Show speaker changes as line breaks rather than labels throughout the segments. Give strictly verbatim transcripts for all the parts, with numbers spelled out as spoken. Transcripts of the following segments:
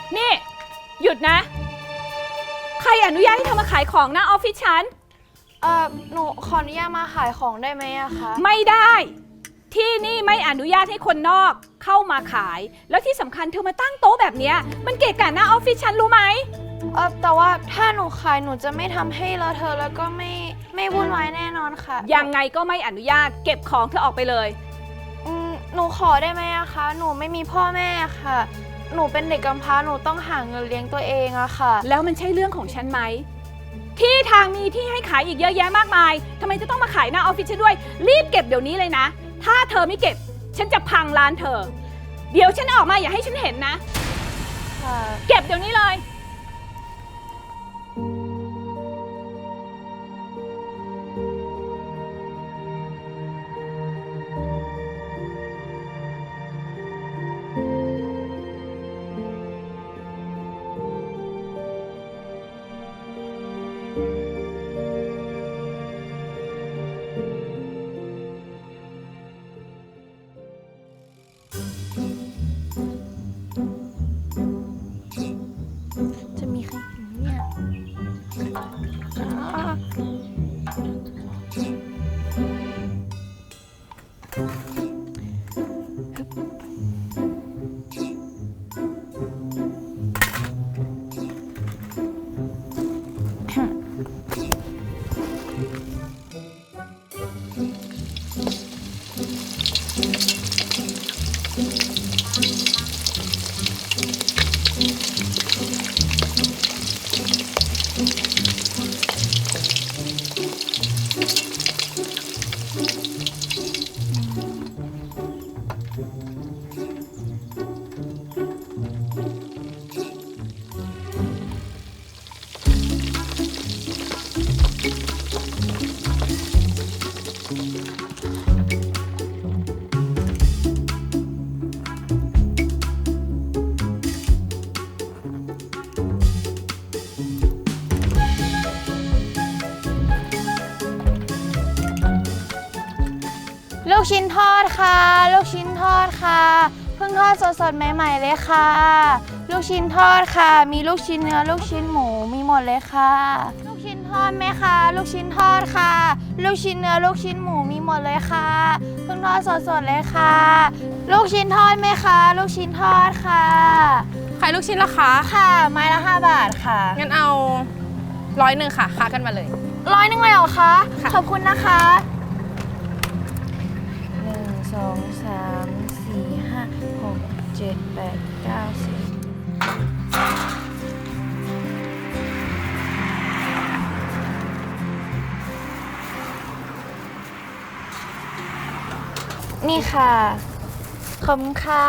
นี่หยุดนะใครอนุญาตให้เธอมาขายของหน้าออฟฟิศฉัน
เอ่อหนูขออนุญาตมาขายของได้ไหมอะคะ
ไม่ได้ที่นี่ไม่อนุญาตให้คนนอกเข้ามาขายแล้วที่สำคัญเธอมาตั้งโต๊ะแบบนี้มันเกะกะหน้าออฟฟิศฉันรู้ไหม
เออแต่ว่าถ้าหนูขายหนูจะไม่ทำให้เลอะเทอะแล้วก็ไม่ไม่วุ่นวายแน่นอนค่ะ
ยังไงก็ไม่อนุญาตเก็บของเธอออกไปเลย
อืมหนูขอได้ไหมอะคะหนูไม่มีพ่อแม่ค่ะหนูเป็นเด็กกำพร้าหนูต้องหาเงินเลี้ยงตัวเองอะค่ะ
แล้วมันใช่เรื่องของฉันไหมที่ทางมีที่ให้ขายอีกเยอะแยะมากมายทำไมจะต้องมาขายหน้าออฟฟิศฉันด้วยรีบเก็บเดี๋ยวนี้เลยนะถ้าเธอไม่เก็บฉันจะพังร้านเธอเดี๋ยวฉันออกมาอย่าให้ฉันเห็นนะเก็บเดี๋ยวนี้เลย
จะมีใครเห็นเนี่ยลูกชิ้นทอดค่ะลูกชิ้นทอดค่ะเพิ่งทอดสดๆใหม่ๆเลยค่ะลูกชิ้นทอดค่ะมีลูกชิ้นเนื้อลูกชิ้นหมูมีหมดเลยค่ะลูกชิ้นทอดไหมคะลูกชิ้นทอดค่ะลูกชิ้นเนื้อลูกชิ้นหมูมีหมดเลยค่ะเพิ่งทอดสดๆเลยค่ะลูกชิ้นทอดไหมคะลูกชิ้นทอดค่ะ
ขายลูกชิ้นละคะ
ค่ะไม้ละห้าบาทค่ะ
งั้นเอาร้อยหนึ่งค่ะค้ากันมาเลย
ร้อยหนึ่งเลยเหรอคะขอบคุณนะคะสองสามสี่ห้าหกเจ็ดแปดเก้าสิบนี่ค่ะขอบคุณค่ะ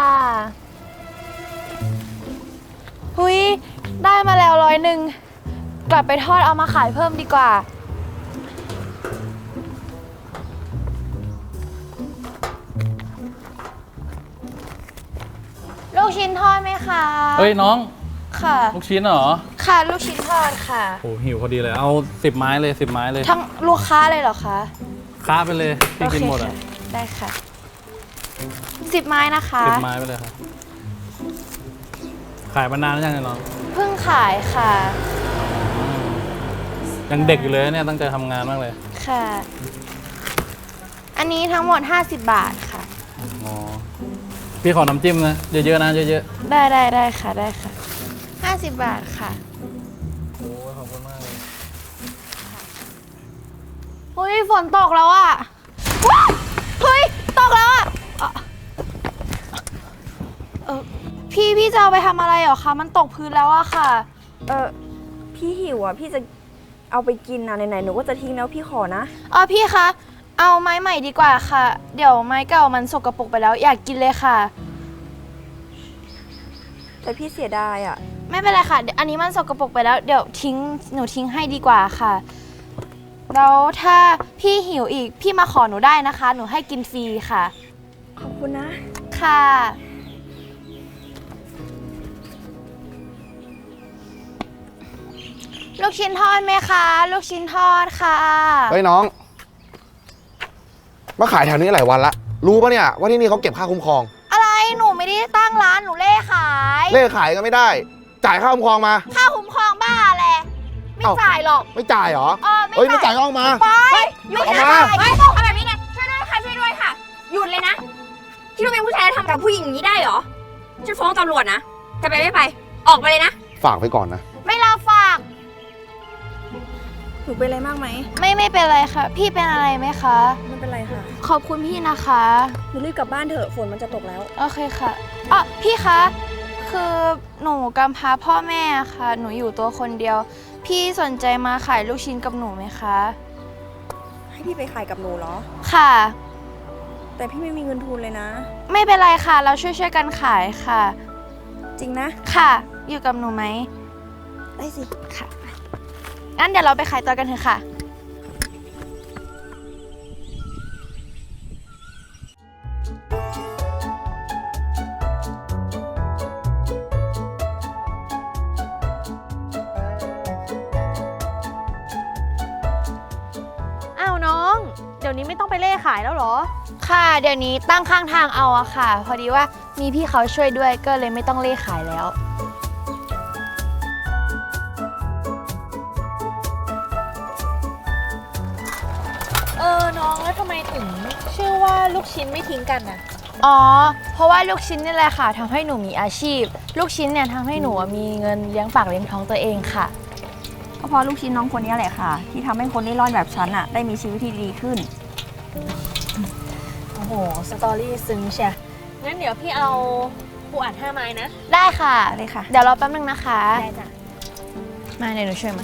หุยได้มาแล้วร้อยหนึ่งกลับไปทอดเอามาขายเพิ่มดีกว่าลูกชิ้นทอดไหมคะ
เฮ้ยน้อง
ค่ะ
ลูกชิ้นเหรอ
ค่ะลูกชิ้นทอดค่ะ
โอ้หิวพอดีเลยเอาสิบไม้เลยสิบไม้เลย
ทั้งลูกค้าเลยเหรอคะ
ค้าไปเลยพี่กินหมดอ่ะ
ได้ค่ะสิบไม้นะคะ
สิบไม้ไปเลยครับขายมานานแล้วยังไงน้อง
เพิ่งขายค่ะ
ยังเด็กอยู่เลยเนี่ยตั้งใจทำงานมากเลย
ค่ะอันนี้ทั้งหมดห้าสิบบาทค่ะ
อ๋อพี่ขอน้ำจิ้มนะเยอะๆนะเยอะ
ๆได้ได้ได้ค่ะได้ค่ะห้าสิบบาทค่ะ
โอ้ขอบคุณมากเลย
เฮ้ยฝนตกแล้วอ่ะว้าวเฮ้ยตกแล้วอ่ะเออพี่พี่จะเอาไปทำอะไรเหรอคะมันตกพื้นแล้วอะค่ะ
เออพี่หิวอ่ะพี่จะเอาไปกินนะไหนๆหนูก็จะทิ้งแล้วพี่ขอนะ
เออพี่คะเอาไม้ใหม่ดีกว่าค่ะเดี๋ยวไม้เก่ามันสกปรกไปแล้วอยากกินเลยค่ะ
แต่พี่เสียดายอ่ะ
ไม่เป็นไรค่ะอันนี้มันสกปรกไปแล้วเดี๋ยวทิ้งหนูทิ้งให้ดีกว่าค่ะแล้วถ้าพี่หิวอีกพี่มาขอหนูได้นะคะหนูให้กินฟรีค่ะ
ขอบคุณนะ
ค่ะลูกชิ้นทอดไหมคะลูกชิ้นทอดค่ะ
เฮ้ยน้องมาขายแถวนี้หลายวันละรู้ปะเนี่ยว่าที่นี่เขาเก็บค่าคุ้มครอง
อะไรหนูไม่ได้ตั้งร้านหนูเล่ขาย
เล่ขายก็ไม่ได้จ่ายค่าคุ้มครองมา
ค่าคุ้มครองบ้าแหละไม่
เอ้า
จ่ายหรอก
ไม่จ่ายเหรอ
เออไม่
เฮ้ยไม่
จ่า
จ่าย ยก็เอามา
ไปหยุด
เอา
นะ
มา
เฮ้ยทำแบบนี้ไงช่วยด้วยค่ะช่วยด้วยค่ะ หยุดเลยนะคิดว่าเป็นผู้ชายแล้วทำกับผู้หญิงอย่างนี้ได้เหรอฉันฟ้องตำรวจนะจะไปไม่ไป ออกไปเลยนะ
ฝากไปก่อนนะ
ไม่ลาฝาก
หนูเป็นอะไรมากไหม
ไม่ไม่เป็นไรค่ะ พี่เป็นอะไรไหมคะ
ไม่เป็นไรค่ะ
ขอบคุณพี่นะคะ
หนูรีบกลับบ้านเถอะฝนมันจะตกแล้ว
โอเคค่ะอ๋อพี่คะ คือหนูกำพร้าพ่อแม่ค่ะ หนูอยู่ตัวคนเดียว พี่สนใจมาขายลูกชิ้นกับหนูไหมคะ
ให้พี่ไปขายกับหนูเหรอ
ค่ะ
แต่พี่ไม่มีเงินทุนเลยนะ
ไม่เป็นไรค่ะ เราช่วยช่วยๆกันขายค่ะ
จริงนะ
ค่ะ อยู่กับหนูไหม
ได้สิ
ค่ะ งั้นเดี๋ยวเราไปขายตัวกันเถอะค่ะ
อ้าวน้อง เดี๋ยวนี้ไม่ต้องไปเล่ขายแล้วเหรอ
ค่ะ เดี๋ยวนี้ตั้งข้างทางเอาอะค่ะ พอดีว่ามีพี่เขาช่วยด้วยก็เลยไม่ต้องเล่ขายแล้ว
เออน้องแล้วทำไมถึงชื่อว่าลูกชิ้นไม่ทิ้งกันน่ะ
อ๋อ เพราะว่าลูกชิ้นนี่แหละค่ะทำให้หนูมีอาชีพ ลูกชิ้นเนี่ยทำให้หนูมีเงินเลี้ยงปากเลี้ยงท้องตัวเองค่ะ
ก็เพราะลูกชิ้นน้องคนนี้แหละค่ะ ที่ทำให้คนเล่ร่อนแบบฉันอะได้มีชีวิตที่ดีขึ้น
โอ้โห สตอรี่ซึ้งเชียงั้นเดี๋ยวพี่เอาปูอัดห้าไม้นะ
ได้ค่ะ
เลยค่ะ
เดี๋ยวรอแป๊บนึงนะคะ
ได้จ้ะ
มาเดี๋ยวหนูช่วยมา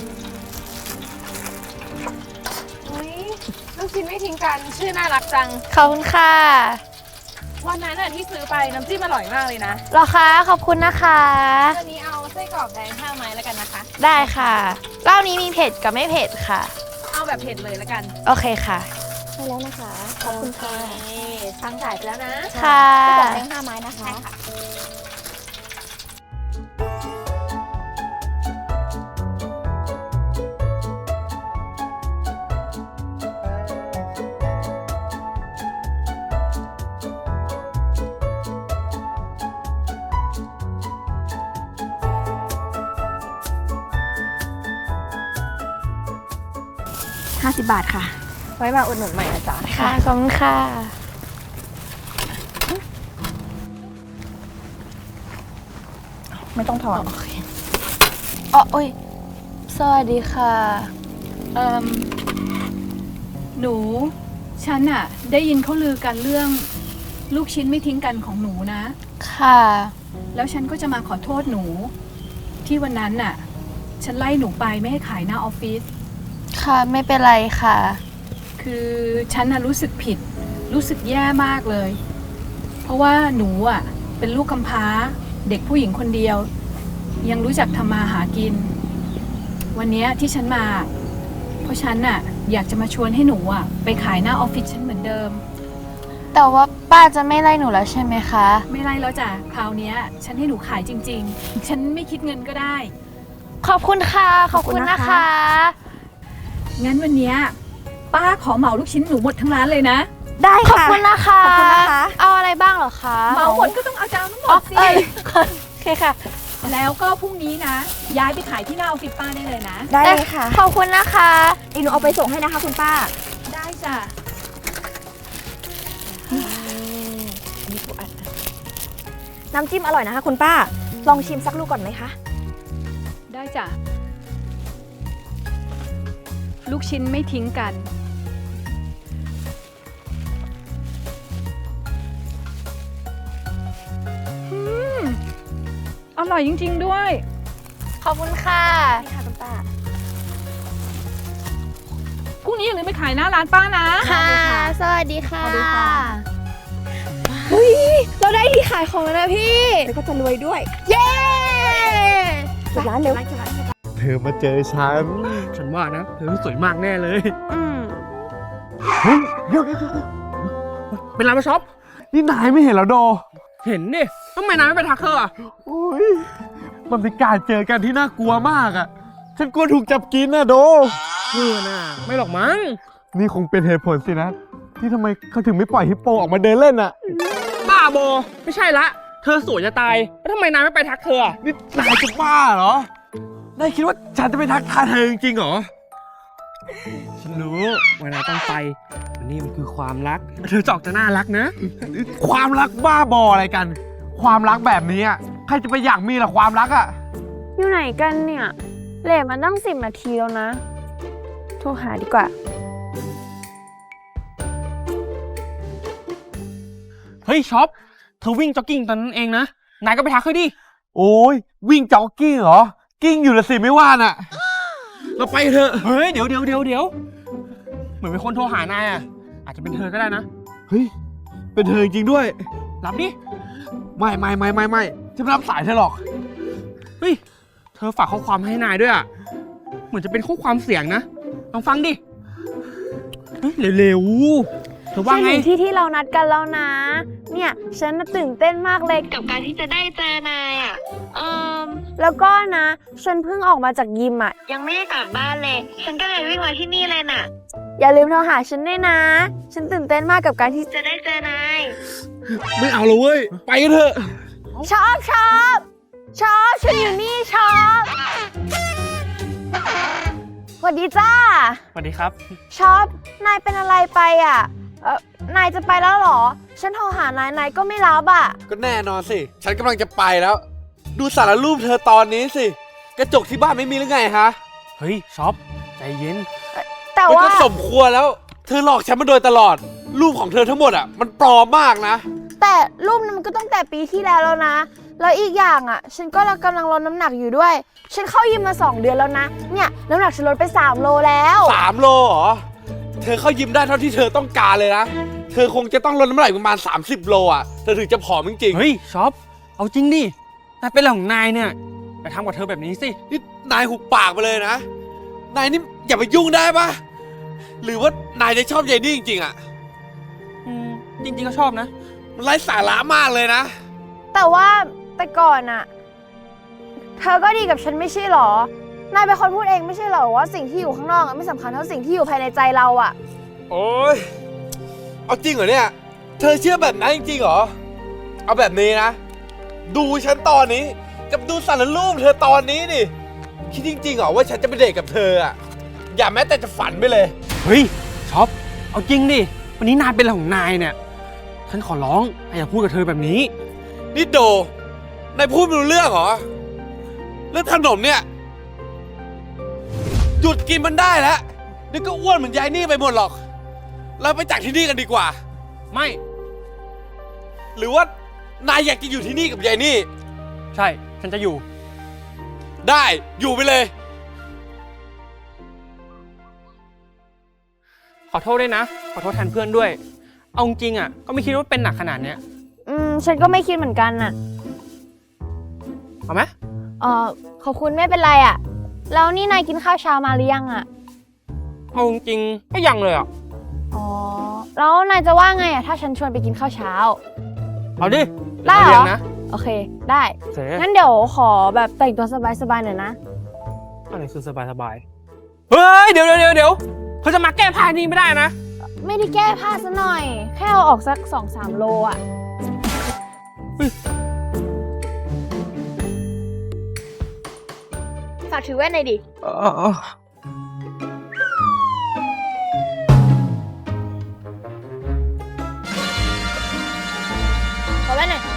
อุ๊ยลูกชิ้นไม่ทิ้งกัน ชื่อน่ารักจัง
ขอบคุณค่ะ
วันนั้นน่ะที่ซื้อไปน้ำจิ้มอร่อยมากเลยนะ
รอคะขอบคุณนะคะ
วันนี้เอาไส้กรอกแดงห้าไม้แล้วกันนะคะ
ได้ค่ะรอบนี้มีเผ็ดกับไม่เผ็ดค่ะ
เอาแบบเผ็ดเลยแล้วกัน
โอเคค่ะ
ใช่แล้วนะคะ ขอบคุณค่ะ
ตังค์จ่ายไปแล้วนะ
ค่ะ
กล่องแดงห้าไม้นะคะ ห้าสิบบาทค่ะ ไว้มาอุดหนุนใหม่นะจ๊ะ
ค่ะ ขอบคุณค่ะ
ไม่ต้องถอน
อ๋อโอ้ย สวัสดีค่ะ
เอ่มหนู ฉันอะได้ยินเขาลือกันเรื่องลูกชิ้นไม่ทิ้งกันของหนูนะ
ค่ะ
แล้วฉันก็จะมาขอโทษหนู ที่วันนั้นน่ะ ฉันไล่หนูไปไม่ให้ขายหน้าออฟฟิศ
ค่ะไม่เป็นไรค่ะ
คือฉันน่ะรู้สึกผิด รู้สึกแย่มากเลย เพราะว่าหนูอ่ะเป็นลูกกำพร้า เด็กผู้หญิงคนเดียว ยังรู้จักทำมาหากิน วันเนี้ยที่ฉันมา เพราะฉันน่ะอยากจะมาชวนให้หนูอ่ะไปขายหน้าออฟฟิศฉันเหมือนเดิม
แต่ว่าป้าจะไม่ไล่หนูแล้วใช่ไหมคะ
ไม่ไล่แล้วจ้ะคราวเนี้ย ฉันให้หนูขายจริง ๆ ฉันไม่คิดเงินก็ได้
ขอบคุณค่ะ ขอบคุณนะคะ
งั้นวันเนี้ยป้าขอเหมาลูกชิ้นหนูหมดทั้งร้านเลยนะ
ได้
ขอบ
ค่ะ
คุณนะคะ
ขอบคุณนะคะ
เอาอะไรบ้างเหรอคะ
เหมาหมดก็ต้องเอาจานทั้งหม
อ๋อ
ดสิ
เอ้ยโอเคค่ะ
แล้วก็พรุ่งนี้นะ ย้ายไปขายที่หน้าออฟฟิศป้าได้เลยนะ
ได้เลยค่ะ
ขอบคุณนะคะ
เดี๋ยวหนูเอาไปส่งให้นะคะคุณป้า
ได้จ้ะ
น้ำจิ้มอร่อยนะคะคุณป้า ลองชิมสักลูกก่อนไหมคะ
ได้จ้ะ ลูกชิ้นไม่ทิ้งกัน อืม อร่อยจริง ๆ ด้วย
ขอบคุณค่ะ
นี่ค่ะคุณป้า
พรุ่งนี้อย่าลืมไปขายหน้าร้านป้านะ
ค่ะ สวัสดีค่ะ
สวัสดีค่ะ
เราได้ที่ขายของแล้วนะพี่
แล้วก็จะรวยด้วย
เย้
เก็บร้านเร็ว
เธอมาเจอฉัน ฉันว่านะ เธอสวยมากแน่เลย
อืม
เฮ้ยเดี๋ยวเป็นร้านมาช็อป นี่นายไม่เห็นแล้วโด เห็นดิทำไมนายไม่ไปทักเธออ่ะอุ้ย มันเป็นการเจอกันที่น่ากลัวมากอ่ะ ฉันกลัวถูกจับกินนะโดเออน่ะไม่หรอกมั้ง นี่คงเป็นเหตุผลสินะ ที่ทำไมเขาถึงไม่ปล่อยฮิปโปออกมาเดินเล่นอ่ะ บ้าโบ ไม่ใช่ละเธอสวยจะตาย แล้วทำไมนายไม่ไปทักเธออะนี่นายจะบ้าเหรอ นายคิดว่าฉันจะไปทักทายเธอจริงๆเหรอ ฉันรู้ว่านายต้องไปวันนี้มันคือความรัก เธอจอกจะน่ารักนะ ความรักบ้าบออะไรกัน ความรักแบบนี้อะใครจะไปอยากมีล่ะความรักอะ
อยู่ไหนกันเนี่ยเลทมันตั้งสิบนาทีแล้วนะ โทรหาดีกว่า
เฮ้ยช็อป เธอวิ่งจ็อกกิ้งตอนนั้นเองนะ นายก็ไปทักเธอดิ โอ้ยวิ่งจ็อกกิ้งเหรอ กิ้งอยู่ละสิไม่ว่าน่ะ เราไปเถอะ เฮ้ยเดี๋ยวเดี๋ยวเดี๋ยวเดี๋ยวเหมือนมีคนโทรหานายอ่ะ อาจจะเป็นเธอก็ได้นะ เฮ้ย เป็นเธอจริงๆด้วย รับดิ ไม่ไม่ไม่ไม่ไม่จะไม่รับสายเธอหรอก เฮ้ย เธอฝากข้อความให้นายด้วยอ่ะ เหมือนจะเป็นข้อความเสียงนะ ลองฟังดิ เฮ้ยเร็วๆ เธอว่าไง
ฉันถึงที่ที่เรานัดกันแล้วนะ เนี่ยฉันน่ะตื่นเต้นมากเลยกับการที่จะได้เจอนายอ่ะเอ่มแล้วก็นะ ฉันเพิ่งออกมาจากยิมอ่ะ ยังไม่ได้กลับบ้านเลย ฉันก็เลยวิ่งมาที่นี่เลยน่ะ อย่าลืมโทรหาฉันด้วยนะ ฉันตื่นเต้นมากกับการที่จะได้เจอนาย
ไม่เอาเลยเว้ย ไปกันเถอะ
ชอบชอบชอบฉันอยู่นี่ชอบสวัสดีจ้า
สวัสดีครับ
ชอบนายเป็นอะไรไปอ่ะเออนายจะไปแล้วเหรอ ฉันโทรหานายนายก็ไม่รับอ่ะ
ก็แน่นอนสิ ฉันกำลังจะไปแล้ว ดูสารรูปเธอตอนนี้สิ กระจกที่บ้านไม่มีหรือไงฮะ
เฮ้ยช็อป ใจเย็น
แต่
มัน
ว่า
ก็สมควรแล้ว เธอหลอกฉันมาโดยตลอด รูปของเธอทั้งหมดอ่ะ มันปลอมมากนะ
แต่รูปนั้นมันก็ตั้งแต่ปีที่แล้วแล้วนะ แล้วอีกอย่างอ่ะ ฉันก็กำลังลดน้ำหนักอยู่ด้วย ฉันเข้ายิมมาสองเดือนแล้วนะ เนี่ยน้ำหนักฉันลดไปสามโลแล้ว
สามโลเหรอ เธอเข้ายิมได้เท่าที่เธอต้องการเลยนะ เธอคงจะต้องลดน้ำหนักประมาณสามสิบโลอ่ะ เธอถึงจะผอมจริงๆ
เฮ้ยช็อป เอาจริงดิ นายเป็นอะไรของนายเนี่ยไปทำกับเธอแบบนี้สิ
นี่นายหุบปากไปเลยนะ นายนี่อย่าไปยุ่งได้ปะหรือว่านายจะชอบยายนี่จริงๆอ่ะ
อืม จริงๆก็ชอบนะ
มันไร้สาระมากเลยนะ
แต่ว่าแต่ก่อนอ่ะ เธอก็ดีกับฉันไม่ใช่หรอ นายเป็นคนพูดเองไม่ใช่หรอว่าสิ่งที่อยู่ข้างนอกอะไม่สำคัญเท่าสิ่งที่อยู่ภายในใจเราอ่ะ
โอ๊ย เอาจริงเหรอเนี่ย เธอเชื่อแบบนั้นจริงๆเหรอ เอาแบบนี้นะ ดูฉันตอนนี้ กับดูสารรูปเธอตอนนี้ดิ คิดจริงๆเหรอว่าฉันจะไปเดทกับเธออ่ะ อย่าแม้แต่จะฝันไปเลย
เฮ้ยช็อป เอาจริงดิ วันนี้นายเป็นอะไรของนายเนี่ย ฉันขอร้องอย่าพูดกับเธอแบบนี้
นี่โด นายพูดไม่รู้เรื่องเหรอ เรื่องขนมเนี่ย หยุดกินมันได้แล้วนี่ก็อ้วนเหมือนยายนี่ไปหมดหรอก เราไปจากที่นี่กันดีกว่า
ไม่
หรือว่านายอยากจะอยู่ที่นี่กับยายนี่
ใช่ ฉันจะอยู่
ได้ อยู่ไปเลย
ขอโทษด้วยนะ ขอโทษแทนเพื่อนด้วย เอาจริงๆอ่ะ ก็ไม่คิดว่าเป็นหนักขนาดเนี้ย
อืม ฉันก็ไม่คิดเหมือนกันน่ะ
เอาไหม
เออขอบคุณไม่เป็นไรอ่ะ แล้วนี่นายกินข้าวเช้ามาหรือยังอ่ะ
เอาจริงๆก็ยังเลยอ่ะ
อ๋อ แล้วนายจะว่าไงอ่ะถ้าฉันชวนไปกินข้าวเช้า
เอาดิ
ได้เหรอ
เลี้ยงนะ
โอเค ได้
โอเค
งั้นเดี๋ยวขอแบบแต่งตัวสบายๆหน่อยนะ
อะไรคือสบายสบายๆเฮ้ย เดี๋ยวเดี๋ยวเดี๋ยวเขาจะมาแก้ผ้านี่ไม่ได้นะ
ไม่ได้แก้ผ้าซะหน่อย แค่เอาออกสักสองสามโลอ่ะ ฝากถือแว่นหน่อยดิ ขอแว่นหน่อย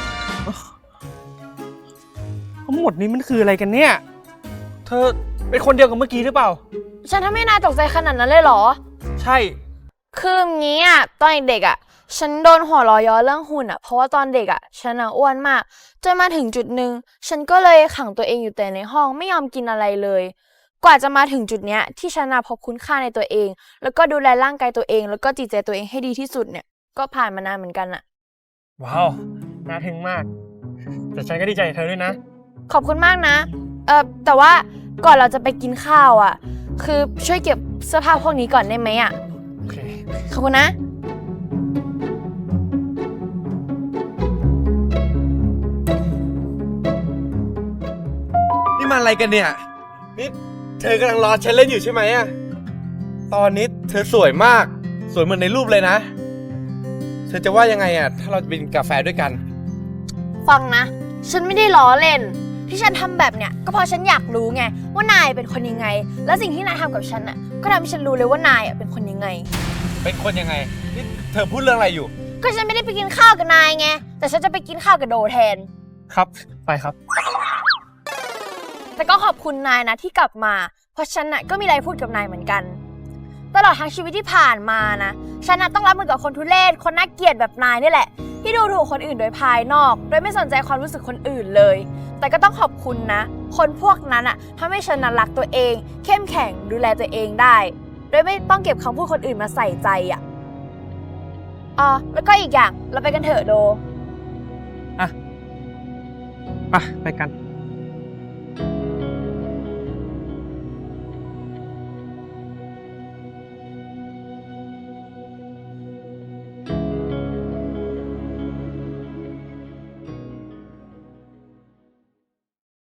ทั้งหมดนี้มันคืออะไรกันเนี่ย เธอเป็นคนเดียวกับเมื่อกี้หรือเปล่า
ฉันทำให้นายตกใจขนาดนั้นเลยเหรอ
ใช่
คืออย่างงี้อ่ะ ตอนเด็กอ่ะ ฉันโดนหัวล้อย้อเรื่องหุ่นอ่ะ เพราะว่าตอนเด็กอ่ะ ฉันอ่ะอ้วนมาก จนมาถึงจุดหนึ่ง ฉันก็เลยขังตัวเองอยู่แต่ในห้องไม่ยอมกินอะไรเลย กว่าจะมาถึงจุดเนี้ยที่ฉันอ่ะพบคุณค่าในตัวเอง แล้วก็ดูแลร่างกายตัวเอง แล้วก็จิตใจตัวเองให้ดีที่สุดเนี่ย ก็ผ่านมานานเหมือนกันอ่ะ
ว้าว น่าทึ่งมาก แต่ฉันก็ดีใจกับเธอด้วยนะ
ขอบคุณมากนะ เออแต่ว่าก่อนเราจะไปกินข้าวอ่ะ คือช่วยเก็บเสื้อผ้าพวกนี้ก่อนได้ไหมอ่ะ
โอเค
ขอบคุณนะ
นี่มันอะไรกันเนี่ย นี่เธอกำลังรอฉันเล่นอยู่ใช่ไหมอะตอนนี้เธอสวยมาก สวยเหมือนในรูปเลยนะ เธอจะว่ายังไงอะถ้าเราจะไปกินกาแฟด้วยกัน
ฟังนะ ฉันไม่ได้ล้อเล่น ที่ฉันทำแบบเนี้ยก็เพราะฉันอยากรู้ไงว่านายเป็นคนยังไง แล้วสิ่งที่นายทำกับฉันอ่ะก็ทำให้ฉันรู้เลยว่านายอ่ะเป็นคนยังไง
เป็นคนยังไง นี่เธอพูดเรื่องอะไรอยู่
ก็ฉันไม่ได้ไปกินข้าวกับนายไง แต่ฉันจะไปกินข้าวกับโดแทน
ครับ ไปครับ
แต่ก็ขอบคุณนายนะที่กลับมา เพราะฉันน่ะก็มีอะไรพูดกับนายเหมือนกัน ตลอดทั้งชีวิตที่ผ่านมานะ ฉันน่ะต้องรับมือกับคนทุเรศ คนน่าเกลียดแบบนายนี่แหละ ที่ดูถูกคนอื่นโดยภายนอก โดยไม่สนใจความรู้สึกคนอื่นเลย แต่ก็ต้องขอบคุณนะ คนพวกนั้นอ่ะทำให้ฉันน่ะรักตัวเอง เข้มแข็งดูแลตัวเองได้ โดยไม่ต้องเก็บคำพูดคนอื่นมาใส่ใจอ่ะอ๋อแล้วก็อีกอย่างเราไปกันเถอะโด
ไป ไปกัน